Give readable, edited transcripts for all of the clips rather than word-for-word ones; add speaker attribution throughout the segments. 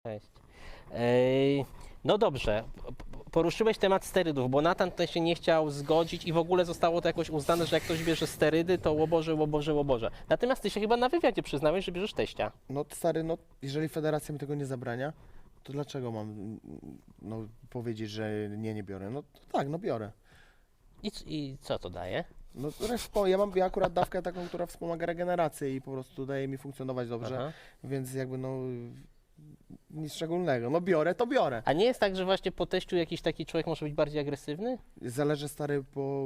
Speaker 1: Cześć. No dobrze, poruszyłeś temat sterydów, bo Natan tutaj się nie chciał zgodzić i w ogóle zostało to jakoś uznane, że jak ktoś bierze sterydy, to łoboże, łoboże, łoboże. Natomiast ty się chyba na wywiadzie przyznałeś, że bierzesz teścia.
Speaker 2: No stary, no jeżeli federacja mi tego nie zabrania, to dlaczego mam powiedzieć, że nie biorę? No to tak, no biorę.
Speaker 1: I co to daje?
Speaker 2: No ja akurat dawkę taką, która wspomaga regenerację i po prostu daje mi funkcjonować dobrze,
Speaker 1: Aha.
Speaker 2: więc jakby nic szczególnego. No biorę, to biorę.
Speaker 1: A nie jest tak, że właśnie po teściu jakiś taki człowiek może być bardziej agresywny?
Speaker 2: Zależy stary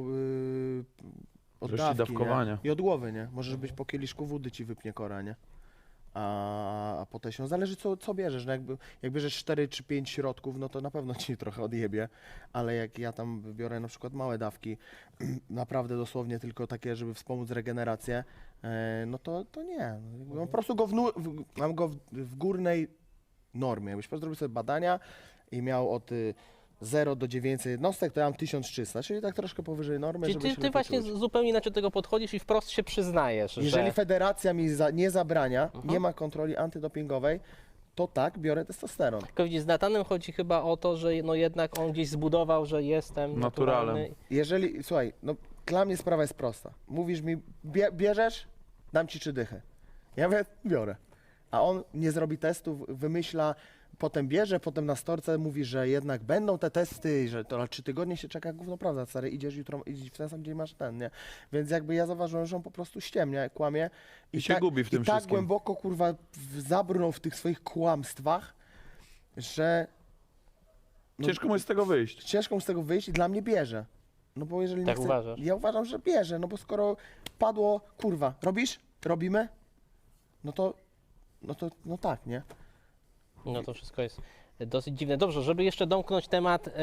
Speaker 2: od
Speaker 3: Ilości
Speaker 2: dawki,
Speaker 3: dawkowania.
Speaker 2: nie? I od głowy, nie? Możesz być po kieliszku wody ci wypnie kora, nie? A po teściu, zależy co bierzesz, no jak bierzesz 4 czy 5 środków, no to na pewno ci trochę odjebie, ale jak ja tam biorę na przykład małe dawki, naprawdę dosłownie tylko takie, żeby wspomóc regenerację, no to nie. Mam po prostu mam go w górnej normie. Jakbyś po prostu zrobił sobie badania i miał od 0 do 900 jednostek, to ja mam 1300, czyli tak troszkę powyżej normy,
Speaker 1: Czyli
Speaker 2: żeby się
Speaker 1: ty
Speaker 2: lepiej
Speaker 1: właśnie
Speaker 2: czuć.
Speaker 1: zupełnie inaczej do tego podchodzisz i wprost się przyznajesz,
Speaker 2: Jeżeli
Speaker 1: że...
Speaker 2: federacja mi nie zabrania, nie ma kontroli antydopingowej, to tak, biorę testosteron.
Speaker 1: Tylko widzisz, z Natanem chodzi chyba o to, że no jednak on gdzieś zbudował, że jestem
Speaker 3: Naturalem.
Speaker 1: naturalny.
Speaker 2: Jeżeli, słuchaj, no dla mnie sprawa jest prosta. Mówisz mi, bierzesz, dam ci 3 dychy. Ja mówię, biorę. A on nie zrobi testów, wymyśla, potem bierze, potem na storce mówi, że jednak będą te testy, że to 3 tygodnie się czeka, gówno prawda, stary, idziesz jutro, idziesz w ten sam dzień masz ten, nie? Więc jakby ja zauważyłem, że on po prostu ściemnia, kłamie.
Speaker 3: I się gubi w tym
Speaker 2: I tak
Speaker 3: wszystkim.
Speaker 2: głęboko, kurwa, zabrnął w tych swoich kłamstwach, że... no,
Speaker 3: Ciężko mu jest z tego wyjść.
Speaker 2: ciężko mu z tego wyjść i dla mnie bierze. No bo jeżeli nie
Speaker 1: Tak
Speaker 2: chce,
Speaker 1: uważasz?
Speaker 2: ja uważam, że bierze, no bo skoro padło, kurwa, robisz? Robimy? No tak, nie?
Speaker 1: No to wszystko jest dosyć dziwne. Dobrze, żeby jeszcze domknąć temat